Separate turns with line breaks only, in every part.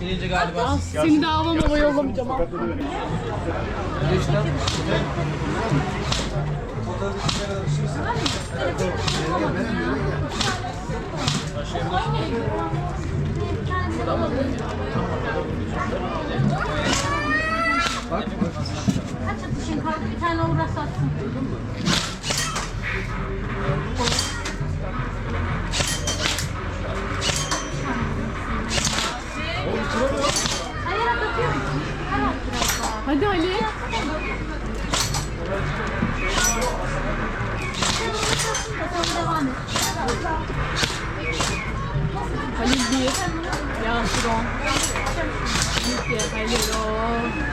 Gelince galiba.
Seni de Havamama yollamayacağım.
Kaç atışın kaldı? Bir tane uğraşacaksın. Hayır atıyorum. Tamam biraz daha.
Hadi Ali.
Sonra devam et.
Halil 1. Yasir 10. 2. Halil 10.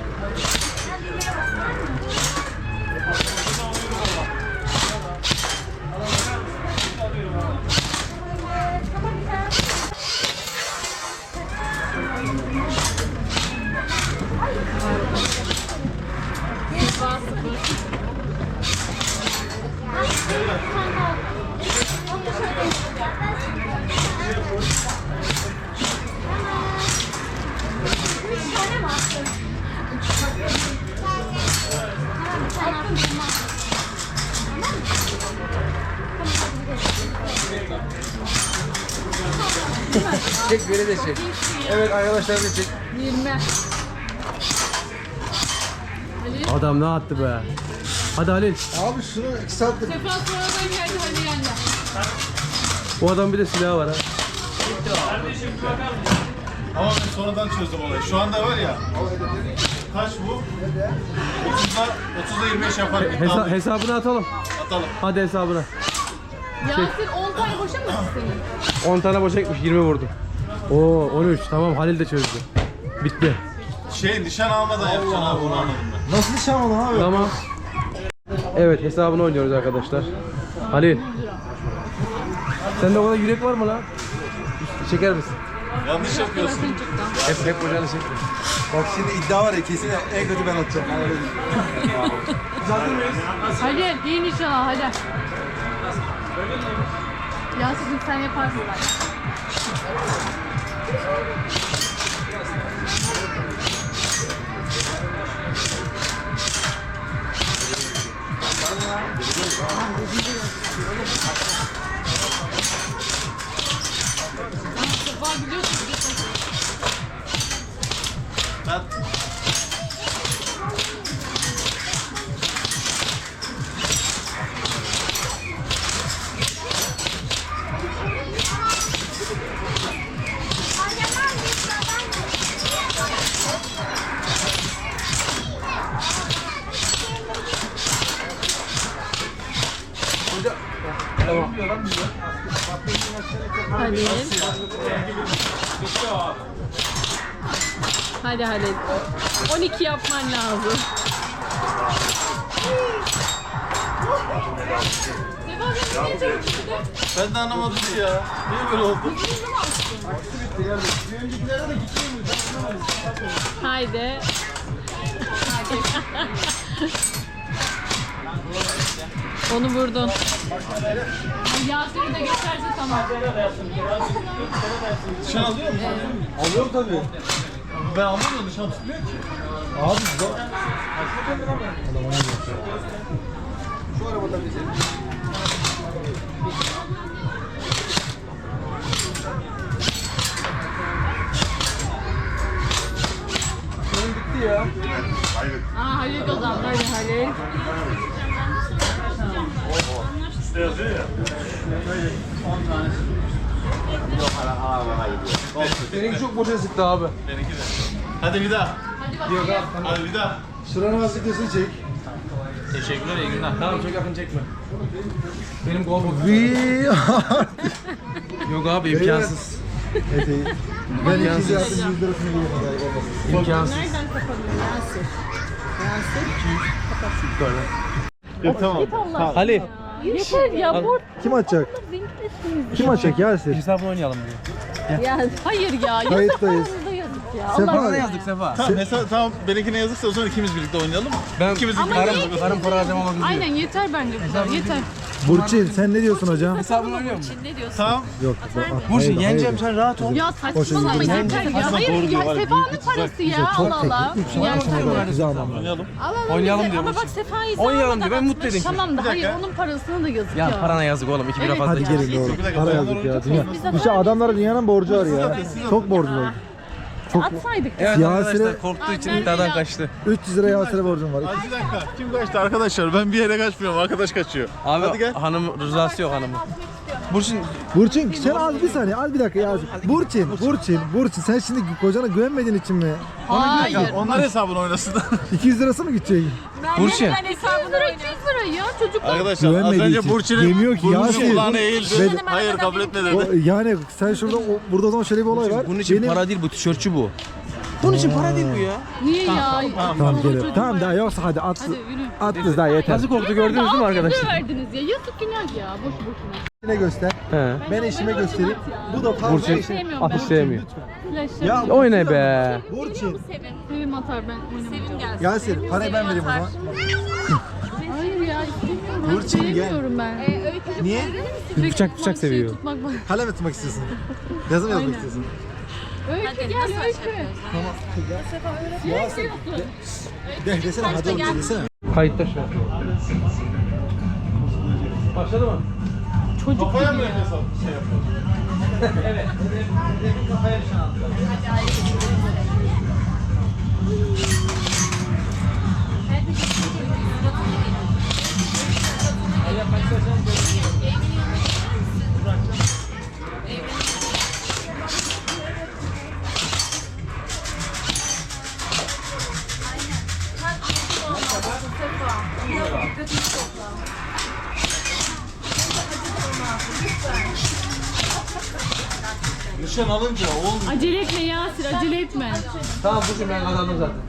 Çek böyle de çek. Evet arkadaşlar da çek.
20. Halil.
Adam ne attı be? Hadi Halil.
Abi şunu 2 saattir.
Sefa sonradan geldi Halil yendi.
Bu adam bir de silahı var ha.
Ama ben sonradan çözdüm olayı. Şu anda var ya. Kaç bu? 30'da 25 yapar.
Hesabını atalım.
Atalım.
Hadi hesabına.
Yasir 10 tane boşa mı senin?
10 tane boşa gitmiş, 20 vurdu. Oo 13. Tamam Halil de çözdü. Bitti.
Nişan almadan yapacaksın abi, bunu anladım ben. Nasıl nişan aldın abi?
Tamam. Evet hesabını oynuyoruz arkadaşlar. Halil. Sende o kadar yürek var mı lan? Çeker misin?
Yanlış yapıyorsun.
Hep bacağını çekme.
Bak şimdi iddia var ya, kesin en kötü ben atacağım.
Halil iyi nişan al hadi. Yasir'cim sen yaparsın bence. Sefa biliyorsun.
Ben...
Halil. Hadi Halil. 12 yapman lazım.
Ben de anlamadım ki ya. Niye böyle oldu?
Haydi. Onu vurdun. Yasir'i de geçerse tamam.
Nişan alıyor musun? Alıyorum tabii. Ben anlamıyorum, nişan tutmuyor ki. Abi şu arabada bize. Benim bitti ya.
Aa Halil kazandı. Hadi Halil.
İşte yazıyor ya. 10 tanesi.
Seninki çok boşa sıktı abi.
Benimki de. Hadi bir daha.
Yok abi.
Hadi bir daha.
Şuranın hasretesini çek.
Teşekkürler, iyi günler.
Tamam çok yakın çekme. Benim gol bu. Yok abi imkansız.
Ben ikinci yaptım, 100 lirasını geliyorum.
İmkansız.
Nereden kapanıyor Yasir? Yasir.
Tamam.
Git Allah.
Ali.
Yeter ya bu.
Kim açacak? Kim açacak Yasir?
Hesabını oynayalım diyor.
Ya hayır ya.
Kayıttayız.
Yazık. ya.
Sefa
Allah
yazdık Sefa.
Tamam, mesela tamam benimkine yazıksa o zaman ikimiz birlikte oynayalım.
Ben
İkimiz
Ama
birlikte
niye ki?
karım para harcamamak üzere.
Aynen yeter bence bu kadar. Yeter.
Burçin sen ne diyorsun hocam?
Hesabını oynuyor musun?
Tamam.
Yok.
Burçin yeneceğim sen rahat ol.
Ya saçmalama yeter ya. Hayır ya Sefa'nın parası ya. Allah Allah. Ya
Güzel ama.
Oynayalım.
Oynayalım diyor
Ama bak
Burçin.
Sefa'yı
Oynayalım diyor, ben mutlu edeyim.
Tamam da
Bir
hayır
dakika.
onun parasına da yazık
Ya
ya.
parana yazık oğlum 2 bira fazla.
Hadi gelin doğru.
Bir dakika,
Para
bayanlar
yazdık ya.
oynayacak
Dünya. İşte adamlara dünyanın borcu var ya. Çok borcumuz var.
Atsaydık.
Evet
Yasin'e-
arkadaşlar korktuğu için iddiadan kaçtı.
300 lira Yasin'e borcum var.
Ay bir dakika. Kim kaçtı arkadaşlar? Ben bir yere kaçmıyorum. Arkadaş kaçıyor.
Abi
Hadi gel.
hanım rızası yok hanımın. Burçin
Burçin sen az bir saniye az bir dakika Yasin. Burçin sen şimdi kocana güvenmediğin için mi?
Hayır.
Onlar hesabını oynasın.
200 lirası mı gidecek?
Burçin
200 lira 200 lira ya çocuklar.
Arkadaşlar az
Güvenmediği
önce
için.
Burçin'in
Demiyor ki Yasin.
kulağına eğildi.
Ben-
Hayır kabul etmedi.
O, yani sen şurada burada o zaman şöyle bir olay var.
bunun için
Benim-
para değil bu tişörtçü bu. Bunun için para değil bu ya.
Niye ya?
Tamam gelelim. Tamam daha yoksa hadi at.
Hadi yürü.
At kız daha yeter.
Nasıl korktu gördünüz değil mi
600 lira
arkadaşlar?
verdiniz ya. Yazık günah ya. Boş boşuna.
Ne göster.
He.
Ben eşime göstereyim. Bu da fazla
Burçin
eşim.
Sevmiyorum
atış
ben.
sevmiyor.
Flash'ları.
Ya
Oyna be.
Burçin.
Sevim atar ben oynamayacağım.
Yasin parayı ben vereyim o zaman.
Hayır ya istemiyorum.
Burçin, gel.
Sevmiyorum ben.
Niye?
Bıçak seviyor.
Tutmak bak.
Kalem tutmak istiyorsun. Yazı mı yazmak istiyorsun?
Öykü gel Öykü.
De desene hadi oğlum desene.
Kayıtta şu an. Başladı mı?
Çocuk
Kafaya
gibi
mı
ya.
hesap şey yapıyorsun? Nişan alınca olmuyor.
Acele etme Yasir acele etme.
Tamam Burçin ben kazandım zaten.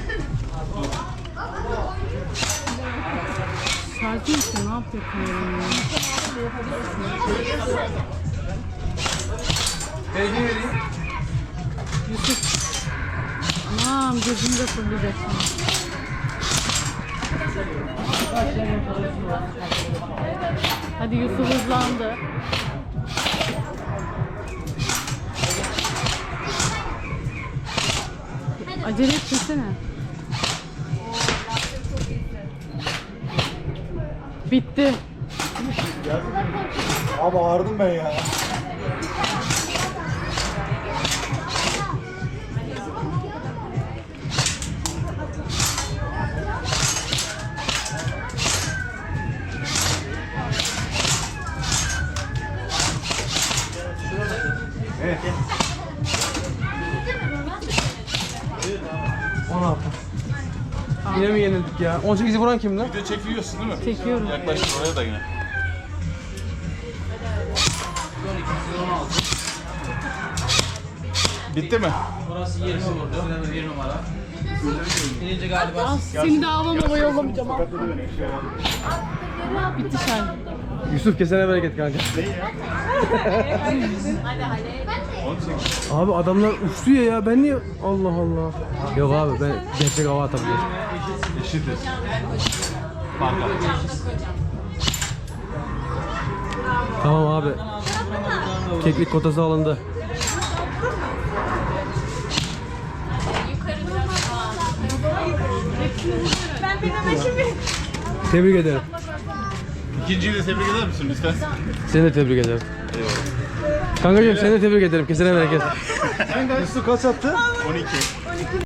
Şarkı için ne yapıyorsun ya?
Belge vereyim.
Anam gözümde fırlayacak şimdi. Hadi Yusuf hızlandı. Acele etmesene. Bitti.
Abi ağırdım ben ya.
Yine mi yenildik ya? 18'i vuran kim lan?
Video çekiyorsun değil mi?
Çekiyorum.
Yaklaştır oraya da yine. Bitti mi?
Ah, seni de avlamama yollamayacağım. ah. Bitti şarkı.
Yusuf kesene bereket kanka. Abi adamlar uçluyor ya ben niye Allah Allah. Yok abi ben gerçek hava atabiliyorum.
Eşitiz.
Tamam abi. Keklik kotası alındı. Tebrik ederim.
İkinciyi de tebrik eder misin lütfen?
Seni de tebrik ederim. Kankacığım seni de tebrik ederim. Kesene bereket.
Yusuf kaç attı?
12.